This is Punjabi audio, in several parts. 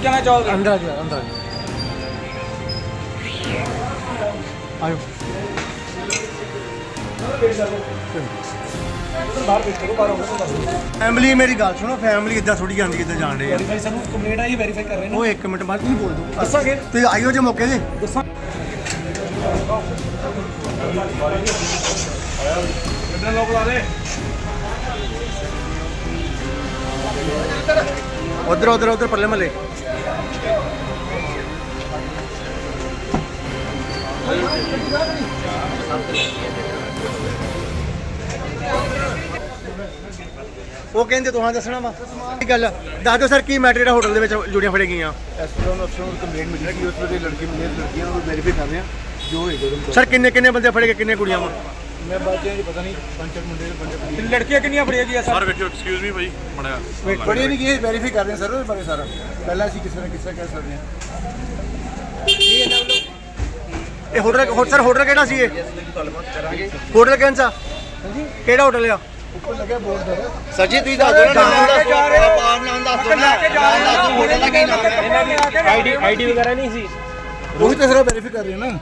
कहना चाहोगे? अंदर आ जाओ, अंदर आ जाओ। आयो फैमिली मेरी गल सुनो, फैमिली इदा थोड़ी जाती कितने जान रहे वेरीफाई सर कंप्लेंट आई वेरीफाई कर रहे हैं वो 1 मिनट बाद नहीं बोल दो दसांगे तो आइयो जे मौके से दसां कितने लोग ला रहे उधर उधर उधर परले महल्ले ਉਹ ਕਹਿੰਦੇ ਤੁਹਾਂ ਦੱਸਣਾ ਵਾ ਕੀ ਗੱਲ ਦੱਸ ਦਿਓ ਸਰ ਕੀ ਮੈਟਰ ਜਿਹੜਾ ਹੋਟਲ ਦੇ ਵਿੱਚ ਜੁੜੀਆਂ ਫੜੇ ਗਈਆਂ ਐਸਪੀਐਨ ਅਫਸਰ ਨੂੰ ਕੰਪਲੇਂਟ ਮਿਲੀ ਕਿ ਉਸ ਵੇਲੇ ਲੜਕੀ ਮਿਲੇ ਲੜਕੀਆਂ ਨੂੰ ਵੈਰੀਫਾਈ ਕਰ ਰਹੇ ਆ ਜੋ ਹੋਏਗਾ ਸਰ ਕਿੰਨੇ ਕਿੰਨੇ ਬੰਦੇ ਫੜੇ ਗਏ ਕਿੰਨੇ ਕੁੜੀਆਂ ਵਾ ਮੈਂ ਬਾਅਦ ਚ ਪਤਾ ਨਹੀਂ ਪੰਜ ਮੁੰਡੇ ਦੇ ਪੰਜ ਕੁੜੀਆਂ लड़कियां कितनी फड़ी गई ਸਰ ਵੇਖਿਓ ਐਕਸਕਿਊਜ਼ ਮੀ ਭਾਈ ਬਣਿਆ ਬੜੀ ਨਹੀਂ ਕਿ ਵੈਰੀਫਾਈ ਕਰ ਰਹੇ ਸਰ ਉਹਦੇ ਬਾਰੇ ਸਾਰਾ ਪਹਿਲਾਂ ਅਸੀਂ ਕਿਸੇ ਨਾ ਕਿਸੇ ਕਹਿ ਸਕਦੇ ਹਾਂ ਇਹ ਹੋਟਲ ਸਰ ਹੋਟਲ ਕਿਹੜਾ ਸੀ ਇਹ ਹੋਟਲ ਕਿਹੜਾ ਕਿਹੜਾ ਹੋਟਲ ਆ ਉੱਪਰ ਲੱਗਿਆ ਬੋਰਡ ਦਾ ਸਰ ਜੀ ਤੁਸੀਂ ਦੱਸ ਦਿਓ ਨਾਮ ਦੱਸੋ ਪਾਪ ਨਾਮ ਦੱਸੋ ਨਾ ਹੋਟਲ ਦਾ ਕੀ ਨਾਮ ਹੈ आईडी वगैरह नहीं सी ਉਹੀ ਤਾਂ ਸਾਰਾ ਵੈਰੀਫਾਈ ਕਰ ਰਹੇ ਨਾ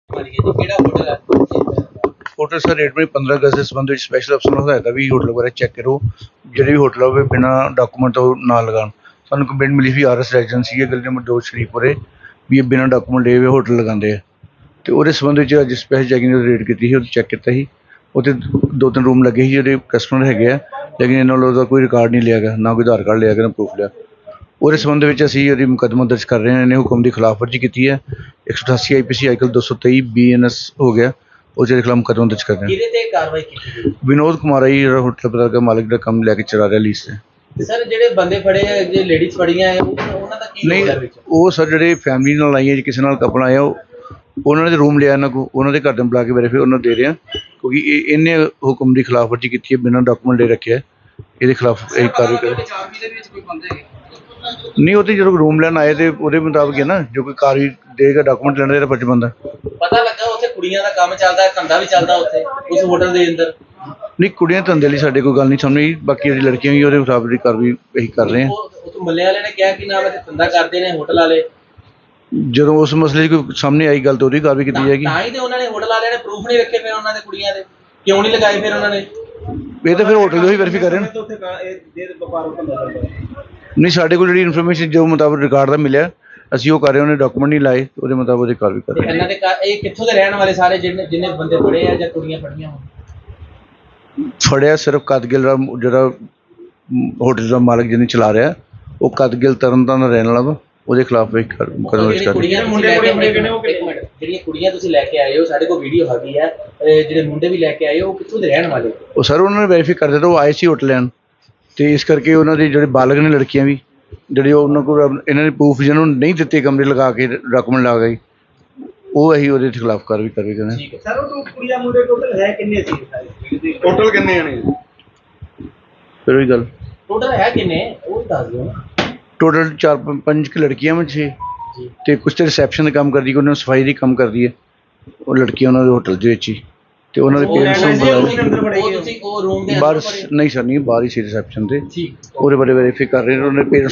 ਹੋਟਲ ਸਰ ਰੇਟ ਵਿੱਚ 15 ਅਗਸਤ ਦੇ ਸੰਬੰਧ ਵਿੱਚ ਸਪੈਸ਼ਲ ਅਫਸਰ ਨੂੰ ਹਦਾਇਤ ਹੈ ਵੀ ਹੋਟਲ ਵਗੈਰਾ ਚੈੱਕ ਕਰੋ ਜਿਹੜੇ ਵੀ ਹੋਟਲ ਹੋਵੇ ਬਿਨਾਂ ਡਾਕੂਮੈਂਟ ਤੋਂ ਨਾ ਲਗਾਉਣ ਸਾਨੂੰ ਕੰਪਲੇਂਟ ਮਿਲੀ ਸੀ ਆਰਐਸ ਰੈਜੀਡੈਂਸੀ ਹੈ ਗਲੀ ਨੰਬਰ 2 ਸ਼ਰੀਫਪੁਰੇ ਵੀ ਇਹ ਬਿਨਾਂ ਡਾਕੂਮੈਂਟ ਲਏ ਹੋਏ ਹੋਟਲ ਲਗਾਉਂਦੇ ਆ ਤੇ ਉਹਦੇ ਸੰਬੰਧ ਵਿੱਚ ਅੱਜ ਸਪੈਸ਼ਲ ਚੈਕਿੰਗ ਦੀ ਰੇਡ ਕੀਤੀ ਸੀ ਉਹ ਚੈੱਕ ਕੀਤਾ ਸੀ ਉੱਥੇ 2-3 ਰੂਮ ਲੱਗੇ ਸੀ ਜਿਹੜੇ ਕਸਟਮਰ ਹੈਗੇ ਆ ਲੇਕਿਨ ਇਹਨਾਂ ਵੱਲੋਂ ਉਹਦਾ ਕੋਈ ਰਿਕਾਰਡ ਨਹੀਂ ਲਿਆ ਗਿਆ ਨਾ ਕੋਈ ਆਧਾਰ ਕਾਰਡ ਲਿਆ ਗਿਆ ਨਾ ਪ੍ਰੂਫ ਲਿਆ ਉਹਦੇ ਸੰਬੰਧ ਵਿੱਚ ਅਸੀਂ ਉਹਦੀ ਮੁਕੱਦਮਾ ਦਰਜ ਕਰ ਰਹੇ ਹਾਂ ਇਹਨੇ ਹੁਕਮ ਦੀ ਖਿਲਾਫਵਰਜੀ ਕੀਤੀ ਹੈ 188 ਆਈਪੀਸੀ ਆਈਕਲ 223 ਬੀਐਨਐਸ ਹੋ ਗਿਆ ਉਹਦੇ ਖਿਲਾਫ ਮੁਕੱਦਮਾ ਦਰਜ ਕਰ ਰਹੇ ਹਾਂ ਕਿਹਦੇ ਤੇ ਕਾਰਵਾਈ ਕੀਤੀ ਵਿਨੋਦ ਕੁਮਾਰ ਹੈ ਜਿਹੜਾ ਹੋਟਲ ਪਤਾ ਦਾ ਮਾਲਕ ਦਾ ਕੰਮ ਲੈ ਕੇ ਚਲਾ ਰਿਹਾ ਲੀਜ਼ ਤੇ ਸਰ ਜਿਹੜੇ ਬੰਦੇ ਫੜੇ ਆ ਜੇ ਲੇਡੀਜ਼ ਫੜੀਆਂ ਆ ਉਹਨਾਂ ਦਾ ਕੀ ਨਹੀਂ ਰੋਲ ਹੈ ਵਿੱਚ ਉਹ ਸਰ ਜਿਹੜੇ ਫੈਮਿਲੀ ਨਾਲ ਆਈਆਂ ਜੀ ਕਿਸੇ ਨਾਲ ਕਪਲ ਆਇਆ ਉਹਨਾਂ ਨੇ ਰੂਮ ਲਿਆ ਇਹਨਾਂ ਕੋ ਉਹਨਾਂ ਦੇ ਘਰ ਦੇ ਬੁਲਾ ਕੇ ਵੈਰੀਫਾਈ ਉਹਨਾਂ ਨੂੰ ਦੇ ਰਹੇ ਆ ਕਿਉਂਕਿ ਇਹਨੇ ਹੁਕਮ ਦੀ ਖਿਲਾਫਵਰਜੀ ਕੀਤੀ ਹੈ ਬਿਨਾਂ ਡਾਕੂਮੈਂਟ ਲੈ ਰੱਖਿਆ ਇਹਦੇ ਖਿਲਾਫ ਇਹ ਕਾਰਵਾਈ ਕਰ ਨਹੀਂ ਉਹ ਤੇ ਜਦੋਂ ਰੂਮ ਲੈਣ ਆਏ ਤੇ ਉਹਦੇ ਮੁਤਾਬਕ ਹੈ ਨਾ ਜੋ ਕੋਈ ਕਾਰਵਾਈ ਦੇਗਾ ਡਾਕੂਮੈਂਟ ਲੈਣ ਦਾ ਜਿਹੜਾ ਫਰਜ਼ ਬਣਦਾ ਪਤਾ ਲੱਗਾ ਉੱਥੇ ਕੁੜੀਆਂ ਦਾ ਕੰਮ ਚੱਲਦਾ ਧੰਦਾ ਵੀ ਚੱਲਦਾ ਉੱਥੇ ਉਸ ਹੋਟਲ ਦੇ ਅੰਦਰ ਨਹੀਂ ਕੁੜੀਆਂ ਧੰਦੇ ਲਈ ਸਾਡੇ ਕੋਈ ਗੱਲ ਨਹੀਂ ਸਾਹਮਣੇ ਬਾਕੀ ਜਿਹੜੀ ਲੜਕੀਆਂ ਵੀ ਉਹਦੇ ਮੁਤਾਬਕ ਦੀ ਕਾਰਵਾਈ ਅਸੀਂ ਕਰ ਰਹੇ ਹਾਂ ਉਹ ਮੱਲੇ ਵਾਲੇ ਨੇ ਕਿਹਾ ਕਿ ਨਾਮ ਤੇ ਧੰਦਾ ਕਰਦੇ ਨੇ ਹੋਟਲ ਵਾਲੇ ਜਦੋਂ ਉਸ ਮਸਲੇ 'ਚ ਕੋਈ ਸਾਹਮਣੇ ਆਈ ਗੱਲ ਤਾਂ ਉਹਦੀ ਕਾਰਵਾਈ ਕੀਤੀ ਜਾਏਗੀ ਤਾਂ ਹੀ ਤੇ ਉਹਨਾਂ ਨੇ ਹੋਟਲ ਵਾਲਿਆਂ ਨੇ ਪ੍ਰੂਫ ਨਹੀਂ ਰੱਖੇ ਫਿਰ ਉਹਨਾਂ ਦੇ ਕੁੜੀਆਂ ਦੇ ਕਿਉਂ ਨਹੀਂ ਲਗਾਏ ਫਿਰ ਉਹਨਾਂ ਨੇ ਇਹ ਤਾਂ ਫਿਰ ਹੋਟਲ ਦੇ ਹੀ ਵੈਰੀਫਾਈ ਕਰ ਰਹੇ ਨੇ ਨਹੀਂ ਸਾਡੇ ਕੋਲ ਜਿਹੜੀ ਇਨਫੋਰਮੇਸ਼ਨ ਜੋ ਮੁਤਾਬਕ ਰਿਕਾਰਡ ਦਾ ਮਿਲਿਆ ਅਸੀਂ ਉਹ ਕਰ ਰਹੇ ਉਹਨੇ ਡਾਕੂਮੈਂਟ ਨਹੀਂ ਲਾਏ ਉਹਦੇ ਮੁਤਾਬਕ ਉਹਦੀ ਕਾਰਵਾਈ ਕਰ ਰਹੇ ਇਹਨਾਂ ਦੇ ਇਹ ਕਿੱਥੋਂ ਦੇ ਰਹਿਣ ਵਾਲੇ ਸਾਰੇ ਜਿੰਨੇ ਬੰਦੇ ਫੜੇ ਆ ਜਾਂ ਕੁੜੀਆਂ ਫੜੀਆਂ ਹੋਣ ਫੜਿਆ ਸਿਰਫ ਕਦਗਿਲ ਦਾ ਜਿਹੜਾ ਹੋਟਲ ਦਾ ਮਾਲਕ ਜਿਹਨੇ ਚਲਾ ਰਿਹਾ ਉਹ ਕਦਗਿਲ ਤਰਨਤਾਰਨ ਦਾ ਰਹਿਣ ਵਾਲਾ ਵਾ ਉਹਦੇ ਖਿਲਾਫ ਵੀ ਕਰਨਾ ਜਿਹੜੀਆਂ ਕੁੜੀਆਂ ਤੁਸੀਂ ਲੈ ਕੇ ਆਏ ਹੋ ਸਾਡੇ ਕੋਲ ਵੀਡੀਓ ਹੈਗੀ ਹੈ ਜਿਹੜੇ ਮੁੰਡੇ ਵੀ ਲੈ ਕੇ ਆਏ ਹੋ ਉਹ ਕਿੱਥੋਂ ਦੇ ਰਹਿਣ ਵਾਲੇ ਉਹ ਸਰ ਉਹਨਾਂ ਨੇ ਵੈਰੀਫਾਈ ਕਰ ਦਿੱਤਾ ਉਹ ਆਏ ਸੀ ਹੋਟਲ ਲੈਣ ਤੇ ਇਸ ਕਰਕੇ ਉਹਨਾਂ ਦੇ ਜਿਹੜੇ ਬਾਲਗ ਨੇ ਲੜਕੀਆਂ ਵੀ ਜਿਹੜੇ ਉਹਨਾਂ ਕੋਲ ਇਹਨਾਂ ਨੇ ਪ੍ਰੂਫ ਜਿਹਨਾਂ ਨੂੰ ਨਹੀਂ ਦਿੱਤੇ ਕਮਰੇ ਲਗਾ ਕੇ ਡਾਕੂਮੈਂਟ ਲਾ ਗਏ ਉਹ ਅਸੀਂ ਉਹਦੇ ਖਿਲਾਫ ਕਾਰਵਾਈ ਕਰਨਾ ਠੀਕ ਹੈ ਸਰ ਉਹ ਕੁੜੀਆਂ ਮੁੰਡੇ ਟੋਟਲ ਹੈ ਕਿੰਨੇ ਸੀ ਟੋਟਲ ਕਿੰਨੇ ਆਣੇ ਫਿਰ ਉਹੀ ਗੱਲ ਟੋਟਲ ਹੈ ਕਿੰਨੇ ਉਹ ਦੱਸ ਦਿਓ ਨਾ ਟੋਟਲ 4-5 ਲੜਕੀਆਂ ਵਿੱਚ 6 ਤੇ ਕੁਝ ਤੇ ਰਿਸੈਪਸ਼ਨ ਦਾ ਕੰਮ ਕਰਦੀ ਕੋਈ ਉਹਨਾਂ ਸਫਾਈ ਦੀ ਕੰਮ ਕਰਦੀ ਹੈ ਉਹ ਲੜਕੀਆਂ ਉਹਨਾਂ ਦੇ ਹੋਟਲ ਦੇ ਵਿੱਚ ਹੀ ਤੇ ਉਹਨਾਂ ਦੇ ਪੇਰੈਂਟਸ ਨੂੰ ਬੁਲਾਇਆ ਉਹ ਤੁਸੀਂ ਉਹ ਰੂਮ ਦੇ ਬਾਹਰ ਨਹੀਂ ਸਰ ਨਹੀਂ ਬਾਹਰ ਹੀ ਸੀ ਰਿਸੈਪਸ਼ਨ ਤੇ ਠੀਕ ਉਹਦੇ ਬਾਰੇ ਵੈਰੀਫਾਈ ਕਰ ਰਹੇ ਨੇ ਉਹਨਾਂ ਦੇ ਪੇਰੈਂਟਸ